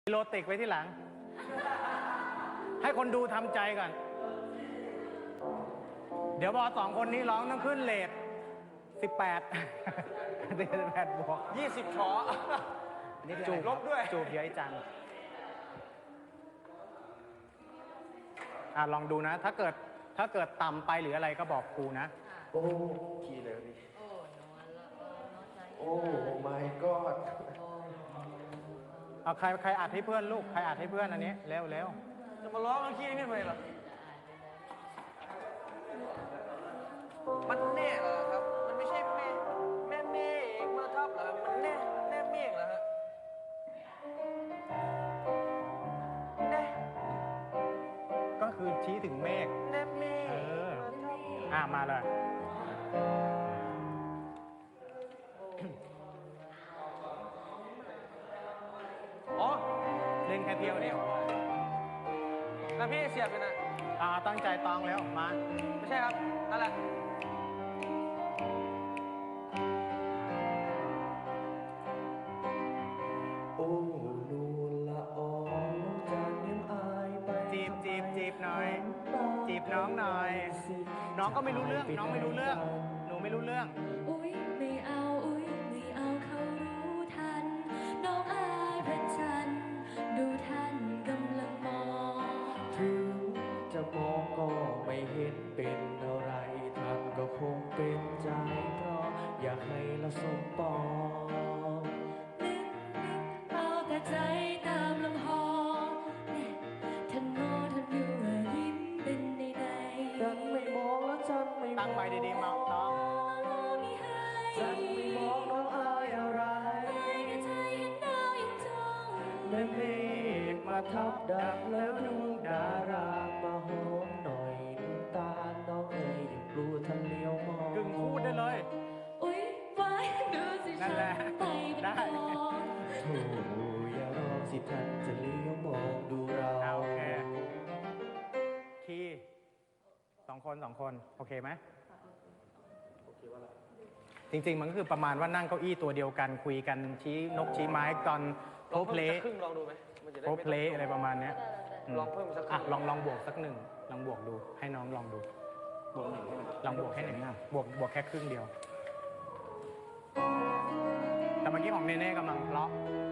โรติกไว้ที่หลัง ให้คนดูทำใจก่อน เดี๋ยวพอสองคนนี้ร้องต้องขึ้นเลท18 บวก 20ช้อนี่จูบลบด้วยจูบเยอะจังลองดูนะ ถ้าเกิดต่ำไปหรืออะไรก็บอกครูนะโอ้คีย์เลยนี่ โอ้ my god เอาใครอัดให้เพื่อนลูก ใครอัดให้เพื่อนอันนี้เร็วจะมาร้องเอาขี้ขึ้นไปเหรอมันแน่เหรอครับ มันไม่ใช่แม่เมฆมาทับเหรอครับมันแน่เมฆเหรอฮะแน่ก็คือชี้ถึงเมฆแน่เมฆมาเลยอ๋อเล่นแค่เที่ยวเดียวแล้วพี่เสียบอยู่นะตั้งใจตองแล้วมาไม่ใช่ครับนั่นแหละโอ้นวลละอองจากเนียมอายไปจีบหน่อย จีบน้องหน่อย น้องก็ไม่รู้เรื่อง น้องไม่รู้เรื่อง หนูไม่รู้เรื่องอุ๊ยไม่เอาอุ๊ยไม่เอาเขารู้ทันน้องอายพระจันทร์ดูท่านกำลังมองถึงจะมองก็ไม่เห็นเป็นอะไรท่านก็คงเป็นใจเพราะอยากให้เราสมปองนึกเอาแต่ใจตามลำหอเนี่ยท่านมองท่านอยู่ยิ้มเป็นในฉันไม่มองแล้วฉันไม่มองตั้งไว้ดีๆเมาน้องมีให้ฉันไม่มองน้องอายอะไรให้แต่ใจเห็นดาวยังจ้องแม่เมฆมาทับดักแล้วดวงดารามาหอมหน่อยน้ำตาน้องเอ๋ยอย่ากลัวท่านเลี้ยวมองกึ่งพูดได้เลยอุ๊ยไว้ดูสินั่ฉันนแหละไปเป็นได้กองโธ่อย่ารอสิท่านจะเลี้ยวมองดูเราโอเค คีย์สองคน โอเคไหมจริง ๆ มันก็คือประมาณว่านั่งเก้าอี้ตัวเดียวกันคุยกันชี้นกชี้ไม้ตอนโพลองเพเพิ่ลมสักครึ่งลองดูไหมมันจะได้โพไม่เพลอะไรประมาณเนี้ยลองเพิ่มสักครึ่งลองบวกสักหนึ่งลองบวกดู ให้น้องลองดูบวกหนึ่งลองบวกแค่หนึ่งบวกแค่ครึ่งเดียว แต่เมื่อกี้ของเนเน่กำลังเลาะ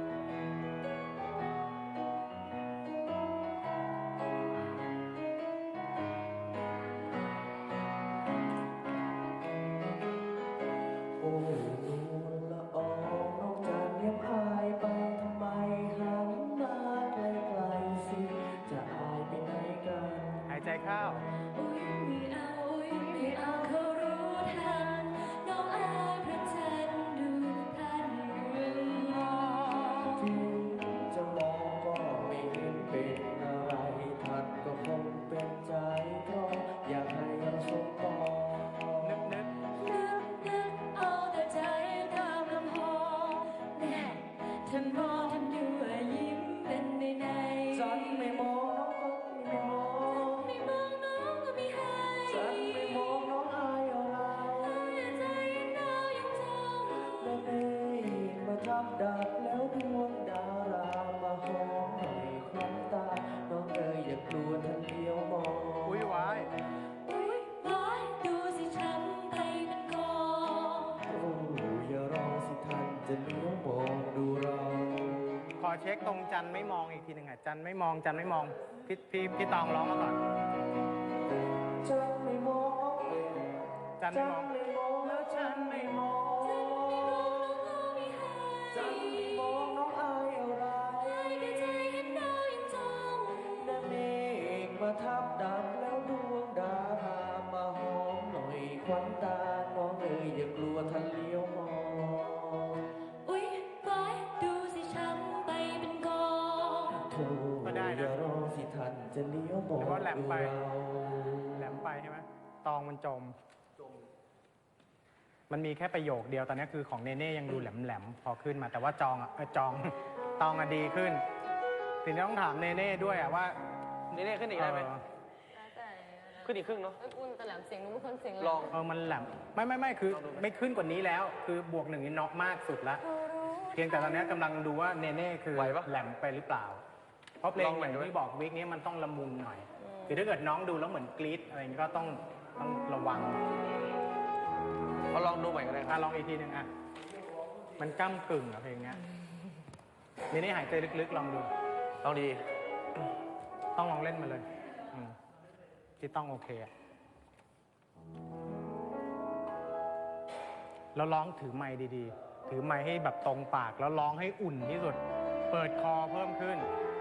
โอ้นวลละอองนอกจากเนียมอายไปทำไมหันมาไกลๆสิจะอายไปไหนกันหายใจเข้าอุ๊ยไม่เอาอุ๊ยไม่เอาเขารู้ทันน้องอายพระจันทร์ดูท่านกำลังมองถึงจะมองก็ไม่เห็นเป็นอะไรท่านก็คงเป็นใจเพราะอยากให้เราสมปองนึกนึกเอาแต่ใจตามลำหอแน่ท่านมองท่านอยู่ยิ้มเป็นในฉันไม่มองน้องก็ไม่มองไม่มองน้องก็ไม่ให้ฉันไม่มองน้องอายอะไรให้ใจดาวยังจ้องแม่เมฆมาทับดักแล้วดวงดารามาหอมหน่อยควันตา น้องเอ๋ยอย่ากลัวท่านเลี้ยวมองอุ้ยไว้อุ๊ยว้ายดูสิฉันไปเป็นกองโอ้อย่ารอสิท่านจะเลี้ยวมองดูเราขอเช็คตรงจันไม่มองอีกทีหนึ่งอ่ะจันไม่มองพี่ตองร้องมาก่อนฉันไม่มองจันไม่มองไม่มองแล้วฉันไม่มอง ฉันไม่มองน้องอายอะไรให้แต่ใจเห็นดาวยังจ้องแม่เมฆมาทับดักแล้วดวงดารามาหอมหน่อยควันตา น้องเอ๋ยอย่ากลัวท่านเลี้ยวมองอุ๊ยว้ายดูสิฉันไปเป็นกองโธ่อย่ารอสิท่านจะเลี้ยวมองหรือว่าแหลมดูไปเราแหลมไปใช่ไหมตองมันจม มันมีแค่ประโยคเดียวตอนนี้คือของเนเน่ยังดูแหลมพอขึ้นมา แต่ว่าตองอ่ะดีขึ้นทีนี้ต้องถามเนเน่ด้วยอ่ะว่านี่ขึ้นอีกได้ไหมแล้วแต่ขึ้นอีกครึ่งเนาะเอ้ยคุณแต่แหลมเสียงหนูเป็นคนเสียงแหลมลองมันแหลมไม่คือไม่ขึ้นกว่านี้แล้ว คือบวกหนึ่งนี่เนาะมากสุดละเขารู้ทีพียงแต่ตอนนี้กำลังดูว่าเนเน่คือไหวปะแหลมไปหรือเปล่า เพราะเพลลงองอใหม่ย่างด้วยที่บอกวิกนี้มันต้องละมุนหน่อย คือถ้าเกิดน้องดูแล้วเหมือนกรี๊ดอะไรอย่างนี้ก็ต้องระวังเอาลองดูใหม่ก็ได้ครับลองอีกทีหนึ่งมันก้ากึ่งอะเพลงเนี้ยเนเน่หายใจลึกๆลองดูลองดีต้องลองเล่นมาเลยที่ต้องโอเคอะแล้วร้องถือไมค์ดีๆ ถือไมค์ให้แบบตรงปากแล้วร้องให้อุ่นที่สุด เปิดคอเพิ่มขึ้น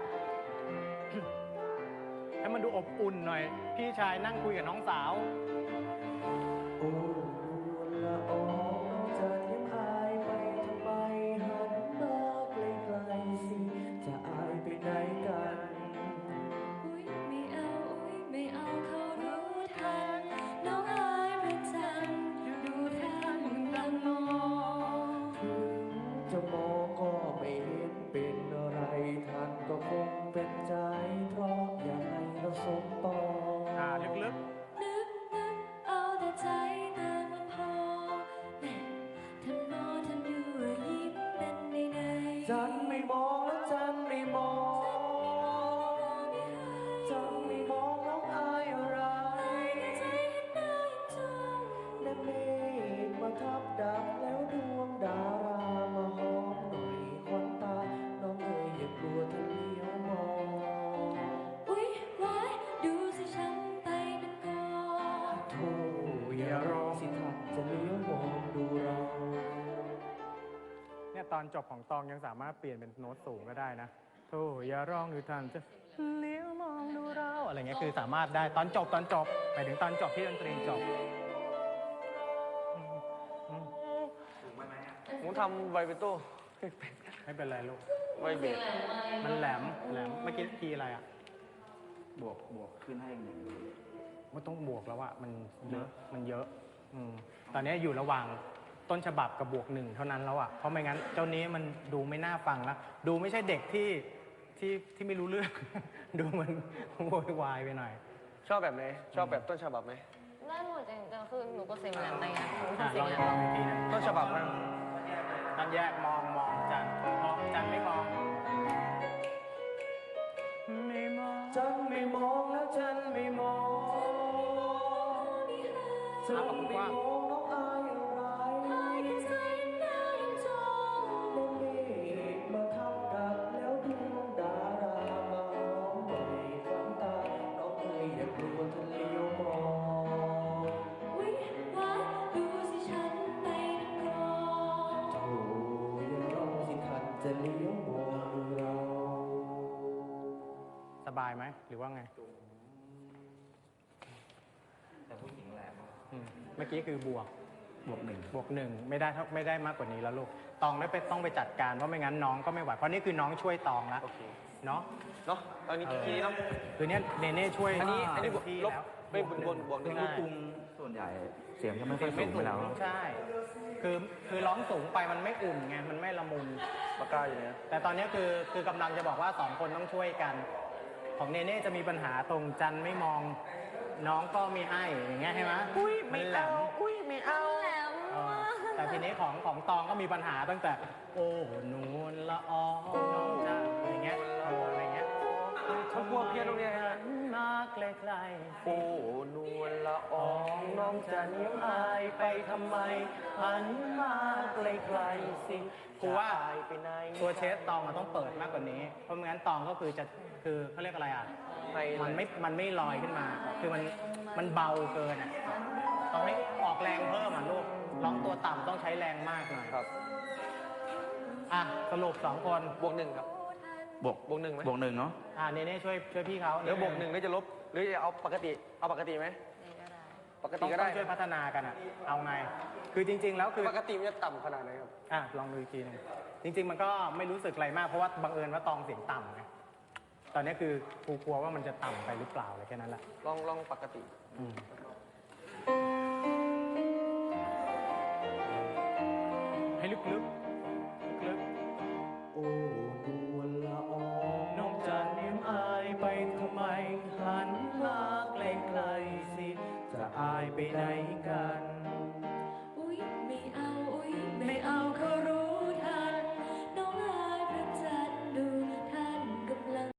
ให้มันดูอบอุ่นหน่อย พี่ชายนั่งคุยกับน้องสาวโอ้นวลละอองน้องจะเทียมอายไปทำไมหันมาไกลๆสิจะอายไปไหนกันอุ๊ยไม่เอาอุ๊ยไม่เอาเขารู้ทันน้องอายพระจันทร์ดูท่านกำลังมองถึงจะมองก็ไม่เห็นเป็นอะไรท่านก็คงเป็นใจ เพราะอยากให้เราสมปองลึกนึกเอาแต่ใจแต่มันพอแน่ท่านมองท่านยั่วยิ้มเป็นในจันไม่มองแล้วจันไม่มอง จันไม่มองน้องอายอะไรใจเห็นหน้ายังจ้องและเมฆมาทับดับแล้วดวงดารามาหอมหน่อยควันตา น้องเอ๋ยอย่ากลัวท่านเลี้ยวมองอุ๊ยไว้ดูสิฉันไปนั่นก่อนโธ่อย่ารอสิท่านจะเลี้ยวมองดูเราเนี่ยตอนจบของตองยังสามารถเปลี่ยนเป็นโน้ตสูงก็ได้นะโธ่อย่าร้องดูทันจะเลี้ยวมองดูเราอะไรเงี้ยคือสามารถได้ตอนจบไปถึงตอนจบที่ดนตรีจบผมทำไวเบโต้ไม่เป็นไรลูกไวเบสมันแหลมเมื่อกี้คีย์อะไรอ่ะบวกขึ้นให้หนึ่งมันต้องบวกแล้วอะมันเยอะตอนนี้อยู่ระหว่างต้นฉบับกับบวกหนึ่งเท่านั้นแล้วอะเพราะไม่งั้นเจ้านี้มันดูไม่น่าฟังแล้ว ดูไม่ใช่เด็กที่ไม่รู้เรื่อง ดูมันโวยวายไปหน่อยชอบแบบไหน ชอบแบบต้นฉบับไหมได้หมดจริงๆคือหนูก็เสียงแหลมไปไงหนูอ่ะทำเสียลงองแหลลองมอีกทีหนึงต้นฉบับมั้งต้องแยกมองจันไม่มองไม่มองจันไม่มองแล้วจันไม่มองจันไม่มองน้องอายอะไรใจเห็นหน้ายังจ้องและเมฆมาทับดับแล้วดวงดารามาหอมหน่อยควันตา น้องเอ๋ยอย่ากลัวท่านเลี้ยวมองอุ๊ยไว้ดูสิฉันไปนั่นก่อนโอ้อย่ารอสิท่านจะเลี้ยวมองดูเราสบายไหมหรือว่าไงแต่ผู้หญิงแหลมเมื่อกี้คือบวกบวกหนึ่งบวกหนึ่งไม่ได้มากกว่านี้แล้วลูกตองต้องไปจัดการเพราะไม่งั้นน้องก็ไม่ไหวเพราะนี่คือน้องช่วยตองแล้วโอเคเนาะเนาะตอนนี้กี่เนาะคือเนี้ยเนเน่ช่วยอันนี้บวกที่ลบแล้วไม่บวกหนึ่งลูกกรุงส่วนใหญ่เสียงจะไม่ค่อยสูงไปแล้วใช่คือร้องสูงไปมันไม่อุ่นไงมันไม่ละมุนปากกาอยู่เนี่ยแต่ตอนนี้คือกำลังจะบอกว่าสองคนต้องช่วยกัน ของเนเน่จะมีปัญหาตรงจันไม่มองน้องก็มีให้อย่างเงี้ยใช่ไหมมันแหลมอุ้ยไม่เอาแหลมเออมากแต่ทีนี้ของตองก็มีปัญหาตั้งแต่ โอ้นวลละอองน้องจ้าอะไรเงี้ยอะไรเงี้ยเขากลัวเพี้ยนตรงเนี้ยฮะมาไกลโอ้นวลละอองน้องจะเนียมอายไปทำไมหันมาไกลๆสิๆกูว่าจะอายไปไหนตัวเชสตองมันต้องเปิดมากกว่านี้ เพราะไม่งั้นตองก็คือเขาเรียกอะไรอ่ะ มันไม่ลอยขึ้นมา คือมันเบาเกินอ่ะต้องให้ออกแรงเพิ่มอ่ะลูกร้องตัวต่ำต้องใช้แรงมากหน่อยครับอ่ะสรุป2 คนบวกหนึ่งครับบวกบวกหนึ่งไหมบวกหนึ่งเนาะเนเน่ช่วยพี่เขาเดี๋ยวบวกหนึ่งแล้วจะลบ หรือจะเอาปกติ เอาปกติไหม ปกต้ติองก็ได้ช่วยพัฒนากันอ่ะ เอาไง คือจริง ๆ แล้วคือปกติมันจะต่ำขนาดไหนครับลองดูอีกทีหนึงจริง ๆ มันก็ไม่รู้สึกอะไรมาก เพราะว่าบังเอิญว่าตองเสียงต่ำไง ตอนนี้คือกูกลัวว่ามันจะต่ำไปหรือเปล่าอะไรแค่นั้นแหละลองปกติอืมให้ลึกๆลึกโอ้นวลละอองๆน้องจะเนียมอายไปทำไมหันมาไกลๆสิ จะอายไปไหน